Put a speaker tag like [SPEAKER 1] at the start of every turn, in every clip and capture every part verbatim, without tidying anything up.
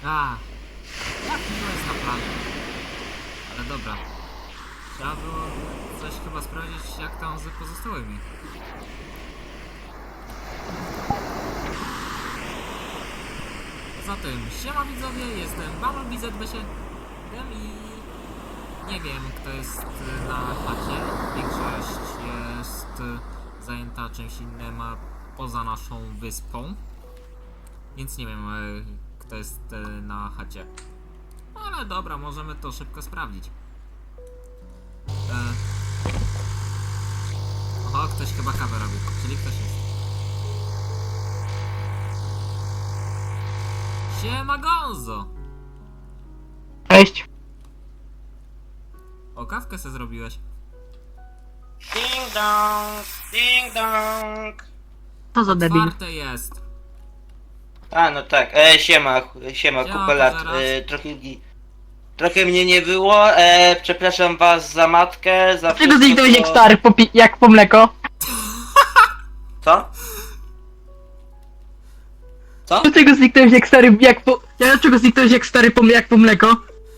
[SPEAKER 1] A, jak to jest na planie? Ale dobra. Trzeba było coś chyba sprawdzić, jak tam z pozostałymi. Zatem, siema widzowie, jestem Bumblebee Z B siedem i nie wiem, kto jest na chacie. Większość jest zajęta czymś innym poza naszą wyspą. Więc nie wiem, kto jest na chacie. Ale dobra, możemy to szybko sprawdzić. E... Oho, ktoś chyba kawę robi, czyli ktoś jest. Siema Gonzo!
[SPEAKER 2] Cześć.
[SPEAKER 1] O, kawkę se zrobiłeś.
[SPEAKER 3] Ding dong, ding dong.
[SPEAKER 2] Co za debil.
[SPEAKER 1] Otwarte jest.
[SPEAKER 3] A no tak, e, siema, siema,
[SPEAKER 1] Siema,
[SPEAKER 3] kupę lat.
[SPEAKER 1] zaraz.
[SPEAKER 3] E, trochę, trochę mnie nie było, e, przepraszam was za matkę, za
[SPEAKER 2] Czego
[SPEAKER 3] wszystko,
[SPEAKER 2] zniknąłeś
[SPEAKER 3] co-
[SPEAKER 2] jak stary, po pi- jak po mleko?
[SPEAKER 3] Co? Co?
[SPEAKER 2] Dlaczego zniknąłeś jak stary, jak po... Dlaczego zniknąłeś jak stary, po, jak po mleko?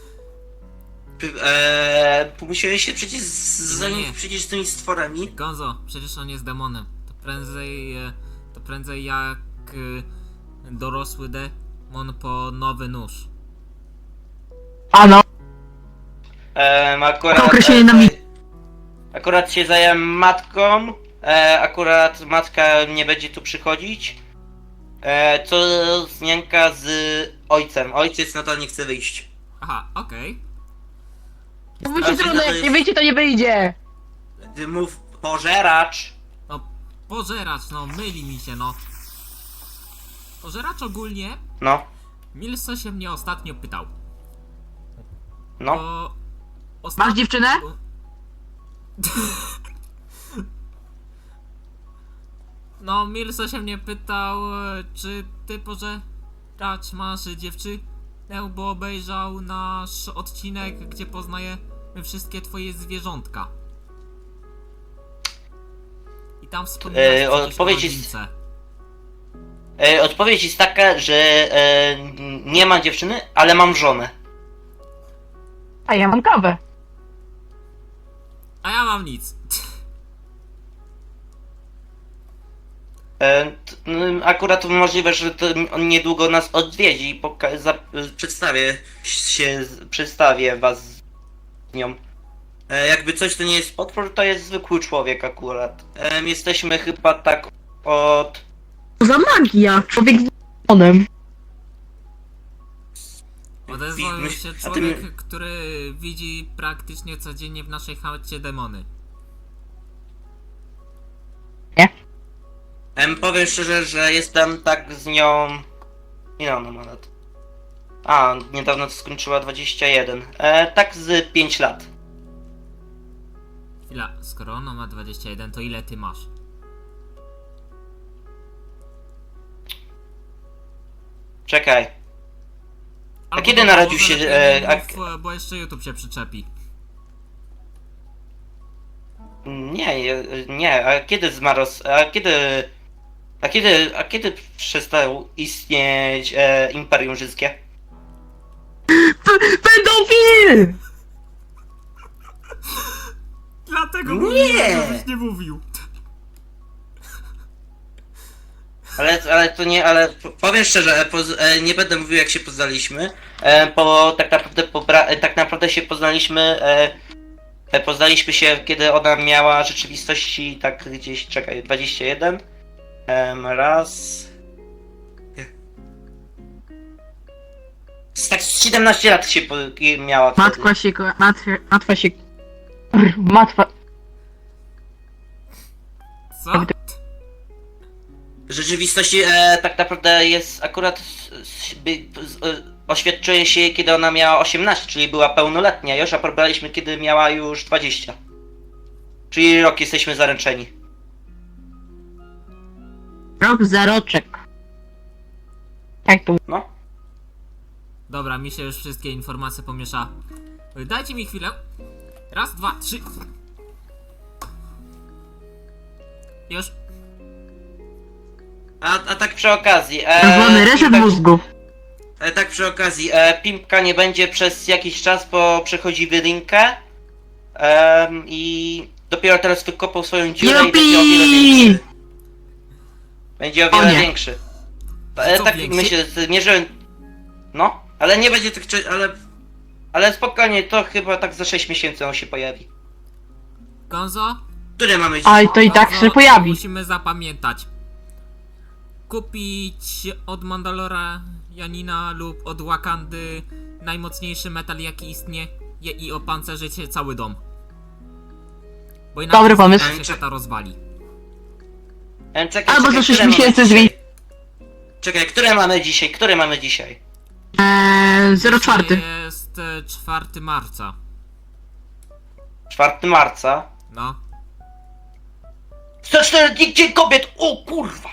[SPEAKER 3] E, musiałeś się przecież z-
[SPEAKER 1] Nie.
[SPEAKER 3] zająć przecież z tymi stworami.
[SPEAKER 1] Gonzo, przecież on jest demonem. To prędzej, e, to prędzej jak e, dorosły demon po nowy nóż.
[SPEAKER 2] Ano.
[SPEAKER 3] E, akurat,
[SPEAKER 2] Określenie na mi-
[SPEAKER 3] akurat się zająłem matką, e, akurat matka nie będzie tu przychodzić. E, co zmianka z ojcem. Ojciec na to nie chce wyjść.
[SPEAKER 1] Aha, okej.
[SPEAKER 2] To wyjdzie trudno, jak nie wyjdzie, to nie wyjdzie.
[SPEAKER 3] Ty mów pożeracz.
[SPEAKER 1] No, pożeracz, no, myli mi się, no. Pożeracz ogólnie,
[SPEAKER 3] No,
[SPEAKER 1] Milso się mnie ostatnio pytał.
[SPEAKER 3] no.
[SPEAKER 1] Bo ostatnio...
[SPEAKER 2] Masz dziewczynę?
[SPEAKER 1] No, Milso się mnie pytał, e, czy ty pożeracz masz dziewczynę, bo obejrzał nasz odcinek, gdzie poznajemy wszystkie twoje zwierzątka. I tam wspomniałeś
[SPEAKER 3] E,
[SPEAKER 1] przecież o
[SPEAKER 3] odpowiedź jest-
[SPEAKER 1] rodzince.
[SPEAKER 3] E, odpowiedź jest taka, że e, nie mam dziewczyny, ale mam żonę.
[SPEAKER 2] A ja mam kawę.
[SPEAKER 1] A ja mam nic.
[SPEAKER 3] E, t, n- akurat możliwe, że to on niedługo nas odwiedzi i poka- za- przedstawię się, przedstawię was z nią. E, jakby coś to nie jest potwór, to jest zwykły człowiek akurat. E, jesteśmy chyba tak od...
[SPEAKER 2] Co za magia? Człowiek z demonem.
[SPEAKER 1] Odezwał
[SPEAKER 3] Wi-
[SPEAKER 1] się
[SPEAKER 3] a ty
[SPEAKER 1] człowiek,
[SPEAKER 3] mi-
[SPEAKER 1] który widzi praktycznie codziennie w naszej chacie demony.
[SPEAKER 3] Em, powiem szczerze, że jestem tak z nią... Ile ona ma lat? A, niedawno to skończyła dwadzieścia jeden. E, tak z pięć lat.
[SPEAKER 1] Chwila, skoro ona ma dwadzieścia jeden, to ile ty masz?
[SPEAKER 3] Czekaj.
[SPEAKER 1] Albo
[SPEAKER 3] kiedy
[SPEAKER 1] dobra,
[SPEAKER 3] narodził
[SPEAKER 1] może
[SPEAKER 3] się,
[SPEAKER 1] lepiej
[SPEAKER 3] e,
[SPEAKER 1] nie
[SPEAKER 3] ak-
[SPEAKER 1] mów, bo jeszcze YouTube się przyczepi.
[SPEAKER 3] Nie, je- nie, a kiedy zmarł, a kiedy, a kiedy, a kiedy przestał istnieć e, Imperium Rzymskie?
[SPEAKER 2] Pedofil!
[SPEAKER 1] Dlatego
[SPEAKER 3] Nie!
[SPEAKER 1] mówiłem, żebyś nie mówił.
[SPEAKER 3] Ale, ale to nie, ale p- powiem szczerze, e, poz, e, nie będę mówił jak się poznaliśmy, e, bo tak naprawdę, pobra, e, tak naprawdę się poznaliśmy, e, e, poznaliśmy się kiedy ona miała rzeczywistości tak gdzieś, czekaj, dwadzieścia jeden, em, raz... Z tak z siedemnaście lat się po, miała wtedy.
[SPEAKER 2] Matwa się, ko- matwa, matwa się... Brr, Matwa...
[SPEAKER 1] Co?
[SPEAKER 3] W rzeczywistości e, tak naprawdę jest akurat s- s- by, z, e, oświadczyła się kiedy ona miała osiemnaście, czyli była pełnoletnia już, a pobraliśmy kiedy miała już dwadzieścia. Czyli rok jesteśmy zaręczeni.
[SPEAKER 2] Rok za roczek. Jak to?
[SPEAKER 3] No.
[SPEAKER 1] Dobra, mi się już wszystkie informacje pomieszały. Dajcie mi chwilę. Raz, dwa, trzy. Już.
[SPEAKER 3] A, a tak przy okazji. E,
[SPEAKER 2] Czerwony reset
[SPEAKER 3] Imper-
[SPEAKER 2] mózgu.
[SPEAKER 3] e, tak przy okazji, e, Pimpka nie będzie przez jakiś czas, bo przechodzi wylinkę. Em, I dopiero teraz wykopał swoją dziurę i będzie o wiele
[SPEAKER 2] Jupi!
[SPEAKER 3] większy. Będzie o
[SPEAKER 2] O
[SPEAKER 3] wiele
[SPEAKER 2] nie.
[SPEAKER 3] większy. E,
[SPEAKER 1] Co
[SPEAKER 3] tak
[SPEAKER 1] większy?
[SPEAKER 3] myślę, zmierzyłem. No, ale nie będzie tak czy- ale. Ale spokojnie, to chyba tak za sześć miesięcy on się pojawi.
[SPEAKER 1] Gonzo?
[SPEAKER 3] Które mamy dzisiaj?
[SPEAKER 2] Ale to i tak
[SPEAKER 1] Gonzo,
[SPEAKER 2] się pojawi.
[SPEAKER 1] Musimy zapamiętać. Kupić od Mandalora Janina lub od Wakandy najmocniejszy metal jaki istnieje i opancerzyć się cały dom. Bo inaczej
[SPEAKER 2] Dobry pomysł.
[SPEAKER 1] się chata rozwali.
[SPEAKER 3] E, czekaj,
[SPEAKER 2] Albo
[SPEAKER 3] czekaj,
[SPEAKER 2] za sześć
[SPEAKER 3] które mamy
[SPEAKER 2] miesięcy
[SPEAKER 3] dzisiaj?
[SPEAKER 2] zmieni.
[SPEAKER 3] Czekaj, które mamy dzisiaj? Które mamy dzisiaj?
[SPEAKER 2] Eee, zero czwarty.
[SPEAKER 1] Jest e, czwartego marca.
[SPEAKER 3] czwartego marca.
[SPEAKER 1] No.
[SPEAKER 3] sto cztery dni Dzień Kobiet! O kurwa!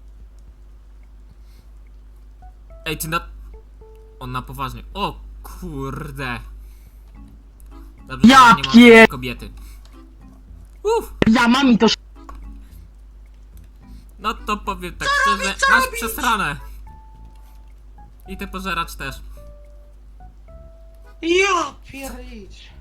[SPEAKER 1] Ej, ty na... On na poważnie. O kurde. Dobrze,
[SPEAKER 2] Ja
[SPEAKER 1] że nie ma
[SPEAKER 2] pie-
[SPEAKER 1] kobiety. Uff.
[SPEAKER 2] Ja mam i to.
[SPEAKER 1] No to powiem tak szczerze, masz przesrane. I ty pożeracz też.
[SPEAKER 3] Ja piernicz.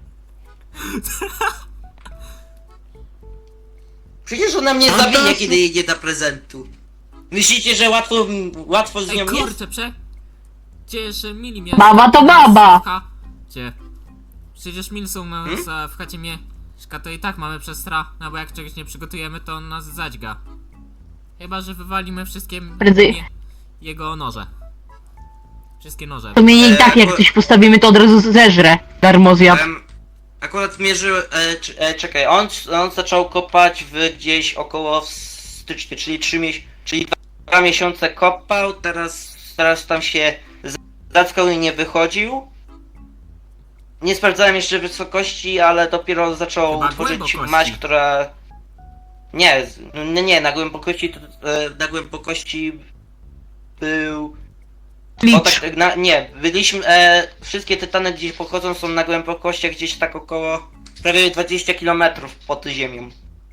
[SPEAKER 3] Przecież ona mnie
[SPEAKER 2] A
[SPEAKER 3] zawinie,
[SPEAKER 2] to-
[SPEAKER 3] kiedy jej nie da prezentu. Myślicie, że łatwo, łatwo z
[SPEAKER 1] Ej,
[SPEAKER 3] nią jest?
[SPEAKER 1] kurczę, prze... Przecież mili mnie...
[SPEAKER 2] Baba to baba.
[SPEAKER 1] Cie. Przecież mil są na,
[SPEAKER 3] Hmm?
[SPEAKER 1] za, w chacie mieszka, to i tak mamy przestra. No bo jak czegoś nie przygotujemy, to on nas zadźga. Chyba, że wywalimy wszystkie...
[SPEAKER 2] Prędzej.
[SPEAKER 1] nie- Jego noże. Wszystkie noże.
[SPEAKER 2] To mnie i tak
[SPEAKER 3] Eee,
[SPEAKER 2] jak
[SPEAKER 3] bo-
[SPEAKER 2] coś postawimy, to od razu zeżre. Darmozjad.
[SPEAKER 3] Em, akurat mierzył, e, cz- e, czekaj, on, on zaczął kopać w gdzieś około w styczniu, czyli trzy miesiące, czyli dwa miesiące kopał, teraz, teraz tam się zackał i nie wychodził. Nie sprawdzałem jeszcze wysokości, ale dopiero zaczął
[SPEAKER 1] Chyba
[SPEAKER 3] tworzyć
[SPEAKER 1] głębokości.
[SPEAKER 3] maść, która... Nie, z- nie, nie, na głębokości, to, e, na głębokości był... O,
[SPEAKER 2] Licz.
[SPEAKER 3] tak, na, nie, byliśmy, e, wszystkie tytany gdzieś pochodzą są na głębokościach gdzieś tak około prawie dwadzieścia kilometrów pod ziemią.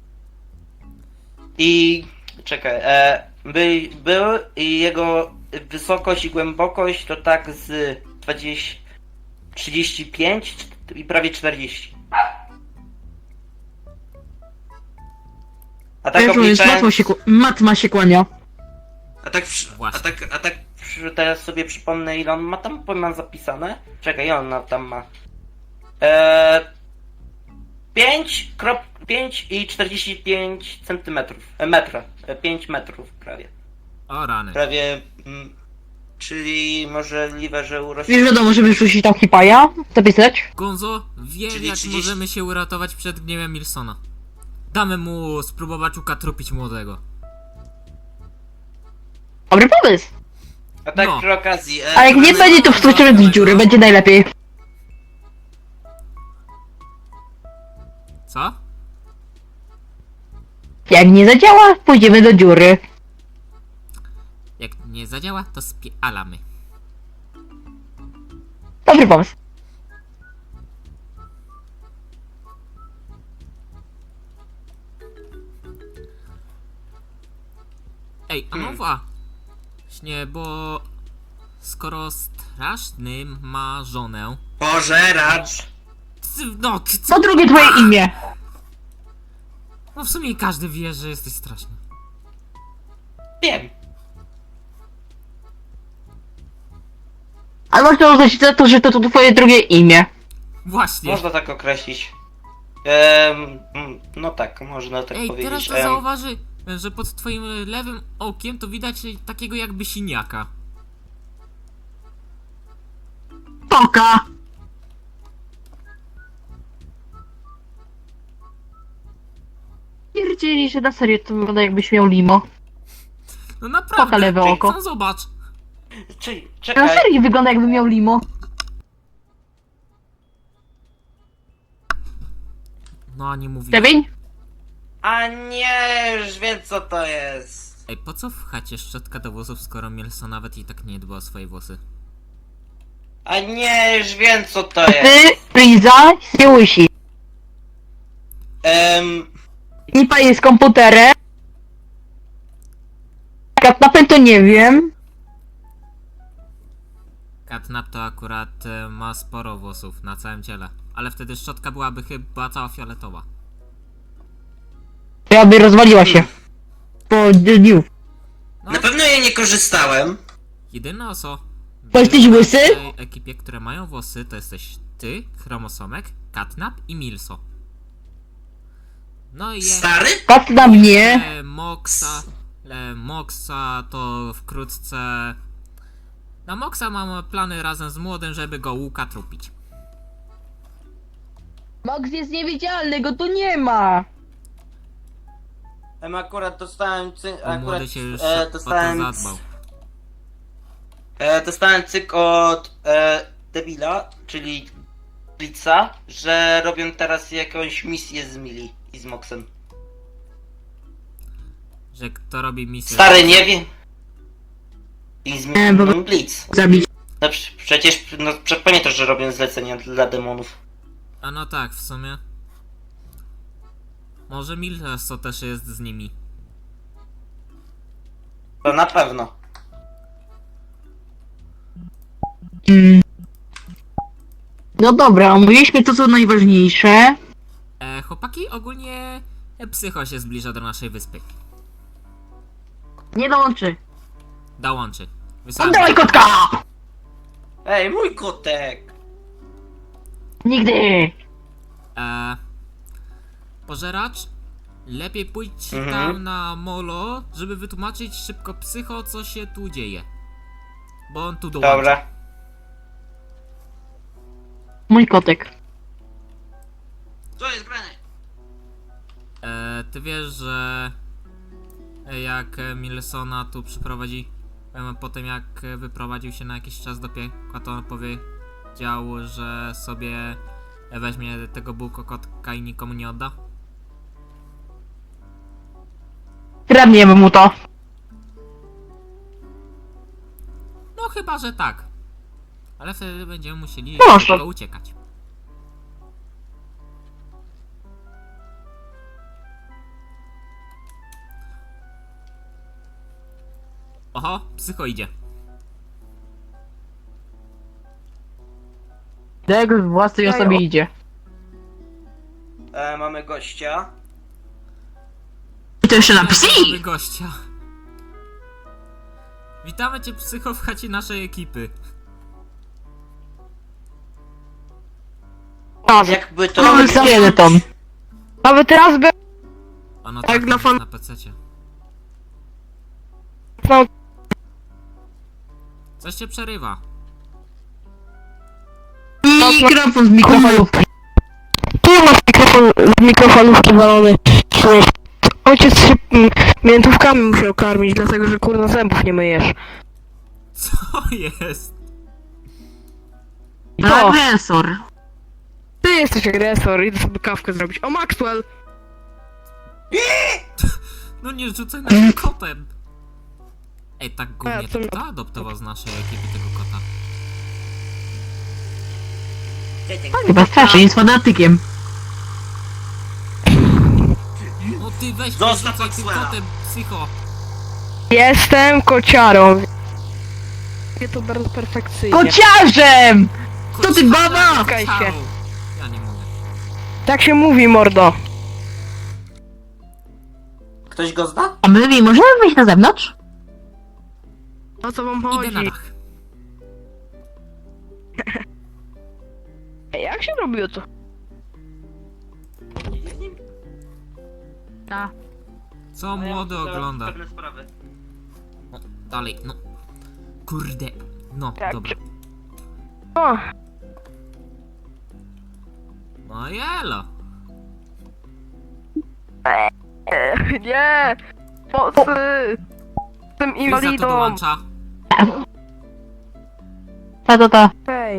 [SPEAKER 3] I czekaj, e, by, był i jego wysokość i głębokość to tak z dwadzieścia, trzydzieści pięć i prawie czterdzieści. A tak
[SPEAKER 2] Tak jest, matma
[SPEAKER 3] obliczając,
[SPEAKER 2] się, ku- matma się kłania.
[SPEAKER 3] a tak, przy- a
[SPEAKER 1] Właśnie.
[SPEAKER 3] tak, a tak przy- teraz sobie przypomnę ile on ma tam, bo mam zapisane. Czekaj, on na- tam ma. Eee, pięć, krop, pięć i czterdzieści pięć centymetrów. E, metra. E, pięć metrów prawie.
[SPEAKER 1] O rany.
[SPEAKER 3] Prawie. Mm, czyli możliwe, że urośnie.
[SPEAKER 2] Wiesz, wiadomo, żeby rzucić tam hipaja, zapisać.
[SPEAKER 1] Gonzo, wiem
[SPEAKER 3] Czyli
[SPEAKER 1] jak
[SPEAKER 3] trzydzieści
[SPEAKER 1] możemy się uratować przed gniewem Milsona. Damy mu spróbować ukatrupić młodego.
[SPEAKER 2] Dobry pomysł.
[SPEAKER 3] A tak
[SPEAKER 1] No.
[SPEAKER 3] przy okazji. E,
[SPEAKER 2] A jak nie
[SPEAKER 3] mamy-
[SPEAKER 2] będzie, to wskoczymy z dziury, będzie najlepiej.
[SPEAKER 1] Co?
[SPEAKER 2] Jak nie zadziała, pójdziemy do dziury.
[SPEAKER 1] Jak nie zadziała, to spialamy.
[SPEAKER 2] Dobry pomysł.
[SPEAKER 1] Ej, a no
[SPEAKER 3] Hmm.
[SPEAKER 1] właśnie, bo skoro straszny ma żonę,
[SPEAKER 3] Pożeracz.
[SPEAKER 1] ty- no, ty-
[SPEAKER 2] Co drugie twoje imię?
[SPEAKER 1] no w sumie każdy wie, że jesteś straszny.
[SPEAKER 3] Wiem.
[SPEAKER 2] Ale można uznać za to, że to, to twoje drugie imię.
[SPEAKER 1] Właśnie.
[SPEAKER 3] Można tak określić. Em, mm, no tak, można tak
[SPEAKER 1] Ej,
[SPEAKER 3] powiedzieć.
[SPEAKER 1] teraz to
[SPEAKER 3] Em,
[SPEAKER 1] zauważy, że pod twoim lewym okiem to widać takiego jakby siniaka.
[SPEAKER 2] Poka. Pierdzieli, że na serio to wygląda jakbyś miał limo.
[SPEAKER 1] No naprawdę.
[SPEAKER 2] Poka lewe
[SPEAKER 1] Ej,
[SPEAKER 2] oko.
[SPEAKER 1] no zobacz.
[SPEAKER 3] Czyli,
[SPEAKER 2] Na
[SPEAKER 3] czekaj.
[SPEAKER 2] serio wygląda jakby miał limo.
[SPEAKER 1] No a nie mówi.
[SPEAKER 2] Lewień?
[SPEAKER 3] A nie, już wiem co to jest.
[SPEAKER 1] Ej, po co w chacie szczotka do włosów, skoro Mielso nawet i tak nie dba o swoje włosy?
[SPEAKER 3] A nie, już wiem co to jest.
[SPEAKER 2] Ty, Friza, nie łysi.
[SPEAKER 3] Em,
[SPEAKER 2] Nipa jest komputerem. Katnapem to nie wiem.
[SPEAKER 1] Catnap to akurat e, ma sporo włosów na całym ciele. Ale wtedy szczotka byłaby chyba cała fioletowa.
[SPEAKER 2] Ja by rozwaliła się. Po dniu.
[SPEAKER 1] No,
[SPEAKER 3] Na pewno ja nie korzystałem.
[SPEAKER 1] jedyne oso...
[SPEAKER 2] Bo jesteś łysy?
[SPEAKER 1] W tej ekipie, które mają włosy, to jesteś ty, Chromosomek, Catnap i Milso. No i je...
[SPEAKER 3] Stary?
[SPEAKER 2] Patrz na mnie.
[SPEAKER 1] E, Moxa... E, Moxa to wkrótce... Na Moxa mam plany razem z młodym, żeby go łuka trupić.
[SPEAKER 2] Max jest niewidzialny, go tu nie ma.
[SPEAKER 3] Em, akurat dostałem cy...
[SPEAKER 1] Bo
[SPEAKER 3] akurat
[SPEAKER 1] młody się już
[SPEAKER 3] e,
[SPEAKER 1] o to
[SPEAKER 3] dostałem...
[SPEAKER 1] zadbał.
[SPEAKER 3] E, dostałem cyk od e, debila, czyli Blitza, że robią teraz jakąś misję z Mili i z Moxem.
[SPEAKER 1] Że kto robi misję...
[SPEAKER 3] Stary, nie wiem. I z
[SPEAKER 2] Nie, bo-
[SPEAKER 3] Milą Blitz.
[SPEAKER 2] Zabić.
[SPEAKER 3] No prze- przecież, no prze- pamiętasz, że robią zlecenia dla demonów.
[SPEAKER 1] A no tak, w sumie. Może Milso też jest z nimi.
[SPEAKER 3] To na pewno.
[SPEAKER 2] Mm. No dobra, omówiliśmy to co najważniejsze.
[SPEAKER 1] E, chłopaki, ogólnie e, Psycho się zbliża do naszej wyspy.
[SPEAKER 2] Nie dołączy.
[SPEAKER 1] Dołączy. Wysłałem
[SPEAKER 2] Oddawaj
[SPEAKER 1] go.
[SPEAKER 2] kotka!
[SPEAKER 3] Ej, mój kotek!
[SPEAKER 2] Nigdy!
[SPEAKER 1] E, pożeracz, lepiej pójdź
[SPEAKER 3] Mhm.
[SPEAKER 1] tam na molo, żeby wytłumaczyć szybko Psycho, co się tu dzieje. Bo on tu dołączy.
[SPEAKER 3] Dobra.
[SPEAKER 2] Mój kotek.
[SPEAKER 3] Co jest grane?
[SPEAKER 1] E, ty wiesz, że e, jak e, Milsona tu przyprowadzi, e, potem jak e, wyprowadził się na jakiś czas do piekła, to on powiedział, że sobie e, weźmie tego bułkokotka i nikomu nie odda?
[SPEAKER 2] Kradniemy mu to.
[SPEAKER 1] No chyba, że tak. Ale wtedy będziemy musieli
[SPEAKER 2] Proszę.
[SPEAKER 1] szybko uciekać. Oho, Psycho idzie.
[SPEAKER 2] Tego w własnej osobie idzie.
[SPEAKER 3] E, mamy gościa.
[SPEAKER 2] I to jeszcze na
[SPEAKER 1] Mamy
[SPEAKER 2] psi!
[SPEAKER 1] gościa. Witamy cię, Psycho, w chacie naszej ekipy.
[SPEAKER 3] Jakby to...
[SPEAKER 2] Mamy skeleton. Mamy teraz be...
[SPEAKER 1] Ono
[SPEAKER 2] Tak,
[SPEAKER 1] tak
[SPEAKER 2] dla fan-
[SPEAKER 1] na pececie.
[SPEAKER 2] No.
[SPEAKER 1] Coś cię przerywa.
[SPEAKER 2] Mikrofon z mikrofalówki.
[SPEAKER 4] Tu masz mikrofon z mikrofalówki walony. Ojciec się mm, miętówkami musiał karmić, dlatego że kurna zębów nie myjesz.
[SPEAKER 1] Co jest?
[SPEAKER 4] Co?
[SPEAKER 2] Agresor.
[SPEAKER 4] Ty jesteś agresor, idę sobie kawkę zrobić. O Maxwell!
[SPEAKER 1] No nie rzucaj naszym kotem. Ej, tak głównie
[SPEAKER 4] A, co
[SPEAKER 1] to
[SPEAKER 4] mi-
[SPEAKER 1] kto adoptował z naszej ekipy tego kota?
[SPEAKER 2] Chyba strasznie, jest fanatykiem.
[SPEAKER 1] No ty weź, nie
[SPEAKER 3] Zostaw
[SPEAKER 1] rzucaj tym
[SPEAKER 3] Maxwella.
[SPEAKER 1] kotem, Psycho.
[SPEAKER 4] Jestem kociarą. Wie to bardzo perfekcyjnie.
[SPEAKER 2] Kociarzem! Co ty,
[SPEAKER 1] Kociara,
[SPEAKER 2] baba?
[SPEAKER 4] Czekaj się.
[SPEAKER 1] kociarą. Ja nie mogę.
[SPEAKER 4] Tak się mówi, mordo.
[SPEAKER 3] Ktoś go zna?
[SPEAKER 2] A my możemy wyjść na zewnątrz?
[SPEAKER 4] O co wam
[SPEAKER 1] Idę
[SPEAKER 4] chodzi?
[SPEAKER 1] na dach.
[SPEAKER 4] Ej, jak się robiło to?
[SPEAKER 2] Tak.
[SPEAKER 1] Co młody ogląda?
[SPEAKER 3] Pewne sprawy.
[SPEAKER 1] No, dalej, no. Kurde. No,
[SPEAKER 4] Tak.
[SPEAKER 1] dobra.
[SPEAKER 4] O,
[SPEAKER 1] No jelo.
[SPEAKER 4] e, nie! Mocy! Jestem
[SPEAKER 1] Chwil za to
[SPEAKER 4] inwalidą!
[SPEAKER 1] dołącza.
[SPEAKER 2] Ta, ta, ta.
[SPEAKER 4] Hej,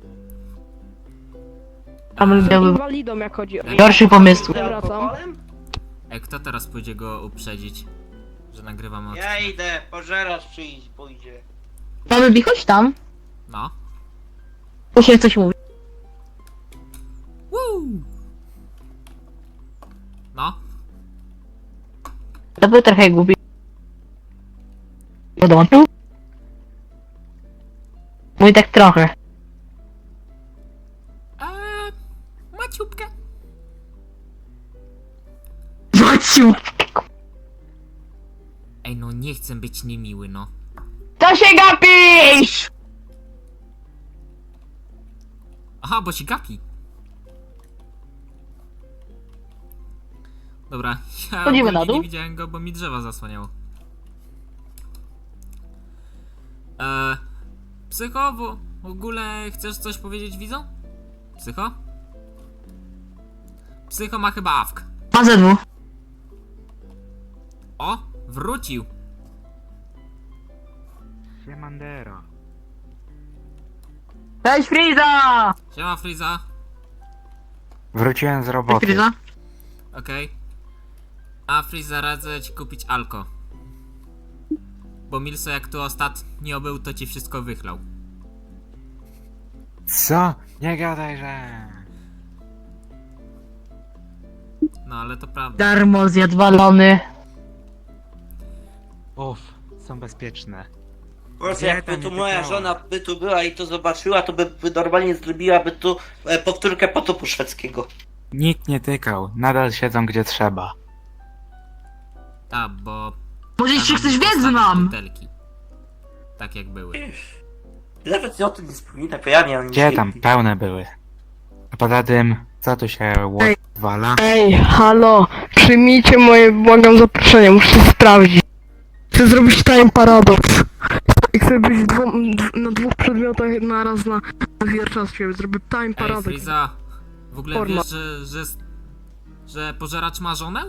[SPEAKER 2] Tam
[SPEAKER 4] jestem
[SPEAKER 2] miały
[SPEAKER 4] inwalidą jak chodzi o...
[SPEAKER 2] gorszy pomysł.
[SPEAKER 4] Wracam.
[SPEAKER 1] Ej, kto teraz pójdzie go uprzedzić? Że nagrywamy odcinek?
[SPEAKER 3] Ja idę, pożerasz przyjść, pójdzie.
[SPEAKER 2] Mamy bi, chodź tam.
[SPEAKER 1] No.
[SPEAKER 2] Tu się coś mówi.
[SPEAKER 1] Woo! No.
[SPEAKER 2] To był trochę głupi. Dołączył? Mój tak trochę.
[SPEAKER 1] Eee, maciupkę.
[SPEAKER 2] Maciu!
[SPEAKER 1] Ej, no nie chcę być niemiły, no.
[SPEAKER 2] To się gapisz!
[SPEAKER 1] Aha, bo się gapi. Dobra, ja
[SPEAKER 2] Chodzimy na
[SPEAKER 1] ogólnie
[SPEAKER 2] dół?
[SPEAKER 1] nie widziałem go, bo mi drzewa zasłaniało. Eee, Psycho, w, w ogóle chcesz coś powiedzieć widzom? Psycho? Psycho ma chyba awk.
[SPEAKER 2] Ma ze dwóch.
[SPEAKER 1] O, wrócił.
[SPEAKER 5] Siemandero.
[SPEAKER 2] Cześć Friza!
[SPEAKER 1] Siema Friza.
[SPEAKER 5] Wróciłem z
[SPEAKER 2] Cześć
[SPEAKER 5] roboty.
[SPEAKER 2] Friza.
[SPEAKER 1] Okej. A Friza, radzę ci kupić alko. Bo Milso jak tu ostatnio był, to ci wszystko wychlał.
[SPEAKER 5] Co? Nie gadaj, że...
[SPEAKER 1] No ale to prawda.
[SPEAKER 2] Darmo zjadł balony.
[SPEAKER 5] Uff, są bezpieczne.
[SPEAKER 3] Proszę,
[SPEAKER 5] Nie,
[SPEAKER 3] jakby
[SPEAKER 5] tam
[SPEAKER 3] tu
[SPEAKER 5] nie
[SPEAKER 3] moja
[SPEAKER 5] pykała.
[SPEAKER 3] żona by tu była i to zobaczyła, to by, by normalnie zrobiłaby tu e, powtórkę potopu szwedzkiego.
[SPEAKER 5] Nikt nie tykał, nadal siedzą gdzie trzeba.
[SPEAKER 1] A, bo...
[SPEAKER 2] Może jeszcze
[SPEAKER 1] tam
[SPEAKER 2] chcesz wiedzieć
[SPEAKER 1] postawić
[SPEAKER 2] nam?
[SPEAKER 1] butelki. Tak jak były.
[SPEAKER 3] Nawet o tym nie wspominam, bo ja miałem
[SPEAKER 5] Gdzie tam? Pełne były. A poza tym, co tu się odwala?
[SPEAKER 4] Ej, halo, przyjmijcie moje, błagam, zaproszenie, muszę to sprawdzić. Chcę zrobić time paradoks. I chcę być w dwu, dw- na dwóch przedmiotach naraz na, na wierczactwie. Zrobię time
[SPEAKER 1] Ej,
[SPEAKER 4] paradoks.
[SPEAKER 1] Friza, w ogóle
[SPEAKER 4] Porno.
[SPEAKER 1] wiesz, że, że, że pożeracz ma żonę?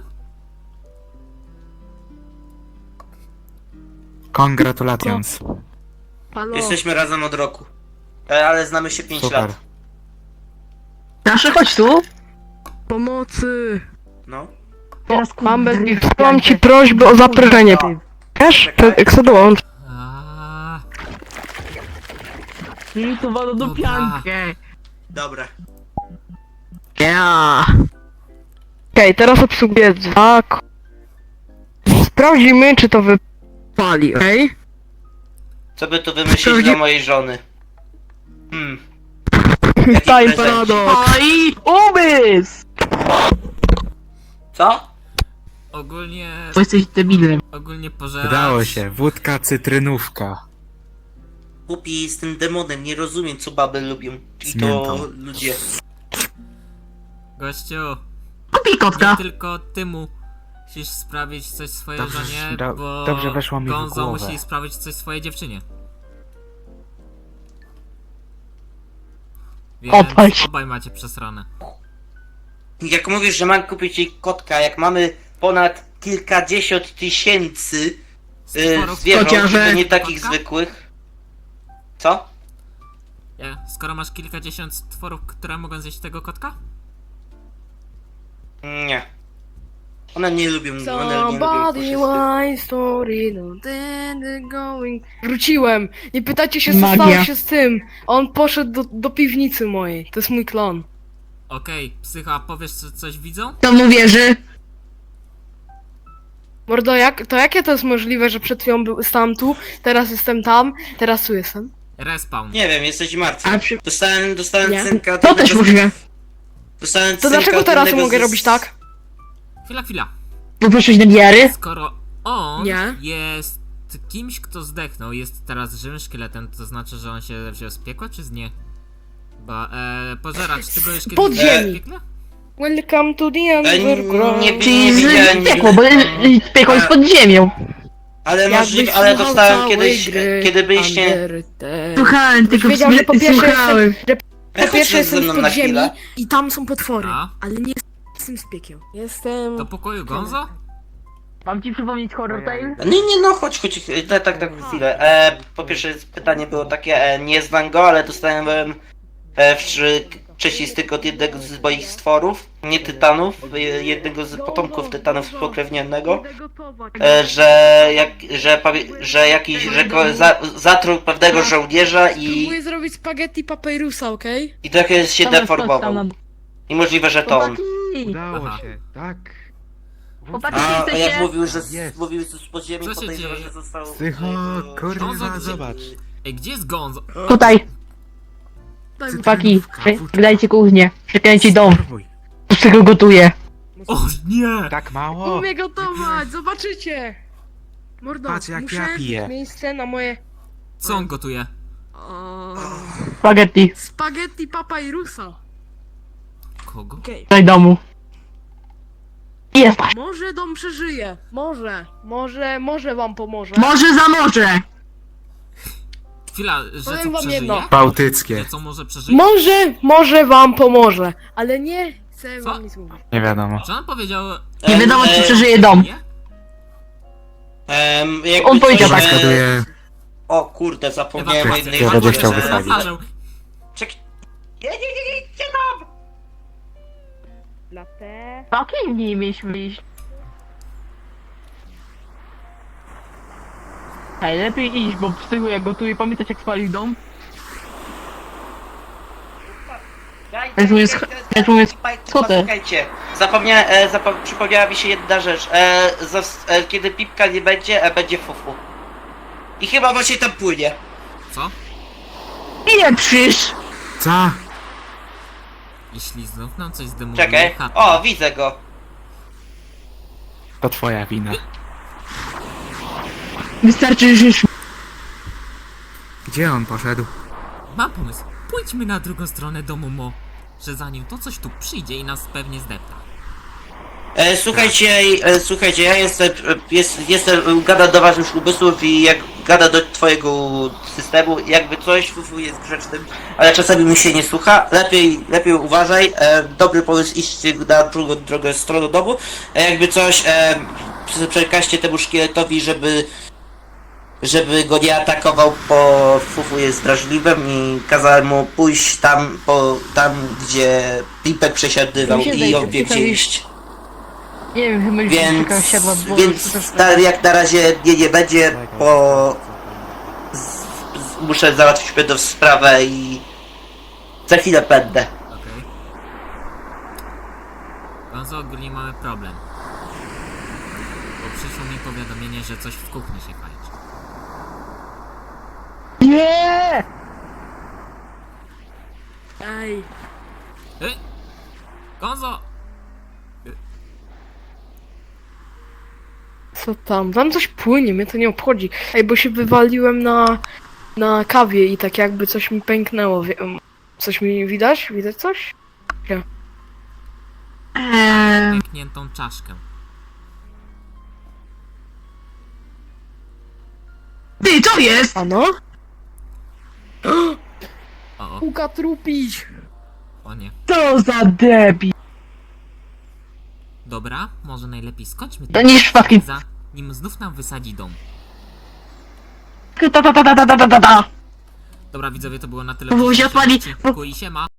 [SPEAKER 5] Congratulations.
[SPEAKER 4] Halo,
[SPEAKER 3] Jesteśmy razem od roku. E, ale znamy się pięć
[SPEAKER 5] Super.
[SPEAKER 3] lat.
[SPEAKER 2] Nasze chodź tu.
[SPEAKER 4] pomocy.
[SPEAKER 3] No.
[SPEAKER 2] Teraz
[SPEAKER 4] Mam, bez,
[SPEAKER 2] kurde,
[SPEAKER 4] mam ci prośbę o zaproszenie. Wiesz? To- Jak sobie dołącz.
[SPEAKER 1] Aaaa,
[SPEAKER 2] I tu wodą do
[SPEAKER 1] Dobra.
[SPEAKER 2] piankę.
[SPEAKER 3] Dobra.
[SPEAKER 2] Ja.
[SPEAKER 4] Okej, teraz obsługuję dwa. k- Sprawdzimy, czy to wypali, okej?
[SPEAKER 3] Co by tu wymyślić
[SPEAKER 4] Sprawdzi-
[SPEAKER 3] dla mojej żony? Hmm. Jaki
[SPEAKER 4] Time
[SPEAKER 3] prezencik?
[SPEAKER 4] paradoks.
[SPEAKER 2] Oj, umysł!
[SPEAKER 3] Co?
[SPEAKER 1] ogólnie,
[SPEAKER 2] Bo jesteś debilem.
[SPEAKER 1] ogólnie pożeracz...
[SPEAKER 5] Udało się, wódka cytrynówka.
[SPEAKER 3] Głupi z tym demonem, nie rozumiem co baby lubią. I
[SPEAKER 5] Z
[SPEAKER 3] to
[SPEAKER 5] miętą.
[SPEAKER 3] ludzie.
[SPEAKER 1] Gościu,
[SPEAKER 2] Kupi
[SPEAKER 1] nie
[SPEAKER 2] kotka.
[SPEAKER 1] tylko ty musisz sprawić coś swojej
[SPEAKER 5] Dobrze,
[SPEAKER 1] żonie,
[SPEAKER 5] do-
[SPEAKER 1] bo
[SPEAKER 5] dobrze weszło mi w
[SPEAKER 1] Gonzo
[SPEAKER 5] głowę.
[SPEAKER 1] musi sprawić coś swojej dziewczynie. Więc
[SPEAKER 2] Odpal się.
[SPEAKER 1] obaj macie przesrane.
[SPEAKER 3] Jak mówisz, że mam kupić jej kotka, jak mamy ponad kilkadziesiąt tysięcy y,
[SPEAKER 1] Stworów-
[SPEAKER 3] zwierząt,
[SPEAKER 2] Kociarze.
[SPEAKER 3] to nie takich
[SPEAKER 1] Kotka?
[SPEAKER 3] zwykłych. Co?
[SPEAKER 1] Ja, skoro masz kilkadziesiąt stworów, które mogą zjeść tego kotka?
[SPEAKER 3] Nie. One nie lubią, one nie lubią
[SPEAKER 4] Somebody
[SPEAKER 3] puszysty.
[SPEAKER 4] my story, no then they're going. Wróciłem. Nie pytajcie się, co
[SPEAKER 2] Magia.
[SPEAKER 4] stało się z tym. On poszedł do, do piwnicy mojej. To jest mój klon.
[SPEAKER 1] Okej, psycha, a powiesz co, coś widzą?
[SPEAKER 2] To mu wierzy.
[SPEAKER 4] Mordo, jak, to jakie to jest możliwe, że przed chwilą był, stałem tu, teraz jestem tam, teraz tu jestem?
[SPEAKER 1] Respawn.
[SPEAKER 3] Nie wiem, jesteś martwy.
[SPEAKER 2] A przy...
[SPEAKER 3] Dostałem, dostałem
[SPEAKER 4] Nie.
[SPEAKER 3] cynka.
[SPEAKER 2] To też możliwe.
[SPEAKER 3] Dostałem
[SPEAKER 4] To
[SPEAKER 3] cynka
[SPEAKER 4] dlaczego
[SPEAKER 3] od
[SPEAKER 4] teraz
[SPEAKER 3] jednego
[SPEAKER 4] mogę
[SPEAKER 3] z-
[SPEAKER 4] robić tak?
[SPEAKER 1] Chwila, chwila.
[SPEAKER 2] Bo poszłeś do diary?
[SPEAKER 1] Skoro on
[SPEAKER 4] Nie.
[SPEAKER 1] jest kimś, kto zdechnął, jest teraz żywym szkieletem, to znaczy, że on się wziął z piekła, czy z nie? Bo, e, pożeracz, ty go już kiedyś
[SPEAKER 4] Pod
[SPEAKER 1] widziałeś w
[SPEAKER 4] ziemi.
[SPEAKER 1] piekle?
[SPEAKER 4] Welcome to the
[SPEAKER 3] E,
[SPEAKER 4] underground.
[SPEAKER 3] nie, nie,
[SPEAKER 2] Czyli
[SPEAKER 3] nie widziałem
[SPEAKER 2] z piekło, bo
[SPEAKER 3] nigdy.
[SPEAKER 2] y, piekło jest pod ziemią.
[SPEAKER 3] Ale
[SPEAKER 4] Jakbyś
[SPEAKER 3] możliwe, ale
[SPEAKER 4] słuchał
[SPEAKER 3] dostałem
[SPEAKER 4] całej
[SPEAKER 3] kiedyś,
[SPEAKER 4] gry
[SPEAKER 3] kiedy byliście...
[SPEAKER 4] Undertale.
[SPEAKER 2] Słuchałem, tylko
[SPEAKER 4] wiedział, że po pierwsze
[SPEAKER 2] słuchałem.
[SPEAKER 3] E,
[SPEAKER 4] Po pierwsze
[SPEAKER 3] chodź ze
[SPEAKER 4] jestem
[SPEAKER 3] mną
[SPEAKER 4] w
[SPEAKER 3] na
[SPEAKER 4] podziemi
[SPEAKER 3] chwilę.
[SPEAKER 4] i tam są potwory,
[SPEAKER 1] A?
[SPEAKER 4] ale nie jestem z piekieł. Jestem...
[SPEAKER 1] Do pokoju Gonzo?
[SPEAKER 2] Mam ci przypomnieć Horror Tale?
[SPEAKER 3] Nie, nie, no chodź, chodź, tak, tak, tak, chwilę. E, po pierwsze pytanie było takie, e, nie znam go, ale dostałem e, w przecistek od jednego z moich stworów, nie tytanów, e, jednego z potomków tytanów spokrewnionego, e, że, jak, że, powie, że jakiś, że ko, za, zatruł pewnego żołnierza i,
[SPEAKER 4] Próbuję zrobić spaghetti papyrusa, okej?
[SPEAKER 3] i trochę się
[SPEAKER 2] Tam jest
[SPEAKER 3] deformował.
[SPEAKER 2] tam na-
[SPEAKER 3] I możliwe, że to on.
[SPEAKER 2] Chłopaki!
[SPEAKER 5] Udało
[SPEAKER 1] Aha.
[SPEAKER 5] się, tak.
[SPEAKER 2] Chłopaki,
[SPEAKER 3] A, a jak
[SPEAKER 2] jesteście?
[SPEAKER 3] mówił, że z,
[SPEAKER 5] Jest.
[SPEAKER 3] mówił z podziemi,
[SPEAKER 1] Co się
[SPEAKER 3] podejrzewam,
[SPEAKER 1] dzieje?
[SPEAKER 3] że został...
[SPEAKER 5] Psycho,
[SPEAKER 3] e,
[SPEAKER 5] kurwa,
[SPEAKER 1] Gonzo,
[SPEAKER 5] zobacz.
[SPEAKER 1] Ej, gdzie jest Gonzo?
[SPEAKER 2] Tutaj,
[SPEAKER 4] Daj mi
[SPEAKER 2] chłopaki,
[SPEAKER 5] Kawuczka.
[SPEAKER 2] dajcie kuchnię, przekręci dom,
[SPEAKER 5] Spróbuj.
[SPEAKER 2] z czego gotuję.
[SPEAKER 1] O nie!
[SPEAKER 5] Tak mało?
[SPEAKER 4] Umie gotować, zobaczycie! Mordo,
[SPEAKER 5] Patrz, jak
[SPEAKER 4] muszę
[SPEAKER 5] ja piję.
[SPEAKER 4] miejsce na moje...
[SPEAKER 1] Co on gotuje?
[SPEAKER 4] O,
[SPEAKER 2] Spaghetti,
[SPEAKER 4] spaghetti papa i rusa.
[SPEAKER 1] Kogo?
[SPEAKER 4] Okej.
[SPEAKER 2] do domu. Jest.
[SPEAKER 4] Może dom przeżyje. Może. Może, może wam pomoże.
[SPEAKER 2] Może za morze.
[SPEAKER 1] Chwila, że
[SPEAKER 4] Powiem
[SPEAKER 1] co
[SPEAKER 4] wam
[SPEAKER 1] przeżyje?
[SPEAKER 4] jedno.
[SPEAKER 5] Bałtyckie.
[SPEAKER 1] Że co może przeżyć?
[SPEAKER 4] Może, może wam pomoże. Ale nie chcę
[SPEAKER 1] Co?
[SPEAKER 4] wam nic mówić.
[SPEAKER 5] Nie wiadomo.
[SPEAKER 1] Czy on powiedział...
[SPEAKER 2] Nie
[SPEAKER 3] Em,
[SPEAKER 2] wiadomo, czy
[SPEAKER 3] e,
[SPEAKER 2] przeżyje dom.
[SPEAKER 1] Nie?
[SPEAKER 3] em, jakby
[SPEAKER 2] On powiedział
[SPEAKER 3] coś,
[SPEAKER 2] tak.
[SPEAKER 3] e,
[SPEAKER 5] Zgaduję.
[SPEAKER 3] O kurde, zapomniałem o
[SPEAKER 1] Ewakuacja.
[SPEAKER 3] jednej
[SPEAKER 5] Ja będzie
[SPEAKER 3] rzeczy,
[SPEAKER 5] chciał
[SPEAKER 3] że-
[SPEAKER 5] wysadzić.
[SPEAKER 1] Zaparzą.
[SPEAKER 3] Czek... Nie, nie, nie, nie, nie tam!
[SPEAKER 4] Latę.
[SPEAKER 2] Okej, nie mieliśmy iść. Hej, lepiej iść, bo psychu jak gotuję, pamiętać jak spalił dom? Jak mówię, sch- jak mówię, co ty?
[SPEAKER 3] Słuchajcie, zapomnia, e, zapo przypomniała mi się jedna rzecz. E, zas- e, kiedy Pipka nie będzie, e, będzie fufu. I chyba właśnie tam płynie.
[SPEAKER 1] Co?
[SPEAKER 2] Ile przysz?
[SPEAKER 5] Co?
[SPEAKER 1] Jeśli znów nam coś zdemoluje
[SPEAKER 3] Czekaj.
[SPEAKER 1] chatę...
[SPEAKER 3] O, widzę go.
[SPEAKER 5] To twoja wina.
[SPEAKER 2] Wystarczy, że już...
[SPEAKER 5] Gdzie on poszedł?
[SPEAKER 1] Mam pomysł. Pójdźmy na drugą stronę domu Mo. Że zanim to coś tu przyjdzie i nas pewnie zdepta.
[SPEAKER 3] E, słuchajcie, e, słuchajcie, ja jestem, e, jest, jestem, gada do waszych umysłów i jak gada do twojego systemu, jakby coś, fufu jest grzecznym, ale czasami mi się nie słucha, lepiej, lepiej uważaj, e, dobry pomysł iść na drugą drogę stronę domu, e, jakby coś, e, prze- przekażcie temu szkieletowi, żeby, żeby go nie atakował, bo fufu jest drażliwym i kazałem mu pójść tam, po, tam gdzie Pipek przesiadywał
[SPEAKER 2] Mi się
[SPEAKER 3] i
[SPEAKER 2] zdaje,
[SPEAKER 3] ją wie gdzie
[SPEAKER 2] Pipek-
[SPEAKER 3] iść.
[SPEAKER 2] Nie wiem, chyba już
[SPEAKER 3] Więc,
[SPEAKER 2] taka siadła bo
[SPEAKER 3] więc na, jak na razie nie, nie będzie, bo z, z, muszę załatwić pewną sprawę i za chwilę będę.
[SPEAKER 1] Okej. Gonzo, ogólnie mamy problem. Bo przyszło mi powiadomienie, że coś w kuchni się kończy.
[SPEAKER 2] Nie!
[SPEAKER 4] Ej.
[SPEAKER 1] Ej! Gonzo!
[SPEAKER 4] Co tam? Tam coś płynie, mnie to nie obchodzi. Ej, bo się wywaliłem na, na kawie i tak jakby coś mi pęknęło. Wie- Coś mi widać? Widać coś?
[SPEAKER 2] Eee,
[SPEAKER 1] Pękniętą czaszkę.
[SPEAKER 2] ty, co jest?
[SPEAKER 4] Ano?
[SPEAKER 1] O, o,
[SPEAKER 4] Puka trupić!
[SPEAKER 1] o nie.
[SPEAKER 2] Co za debil.
[SPEAKER 1] Dobra, może najlepiej skończmy
[SPEAKER 2] To
[SPEAKER 1] ten
[SPEAKER 2] niż fucking...
[SPEAKER 1] zanim znów nam wysadzi dom.
[SPEAKER 2] Ta ta ta ta ta ta ta ta ta.
[SPEAKER 1] Dobra widzowie, to było na tyle.
[SPEAKER 2] Bo
[SPEAKER 1] w dzisiejszym
[SPEAKER 2] się odpali-
[SPEAKER 1] odcinku i siema.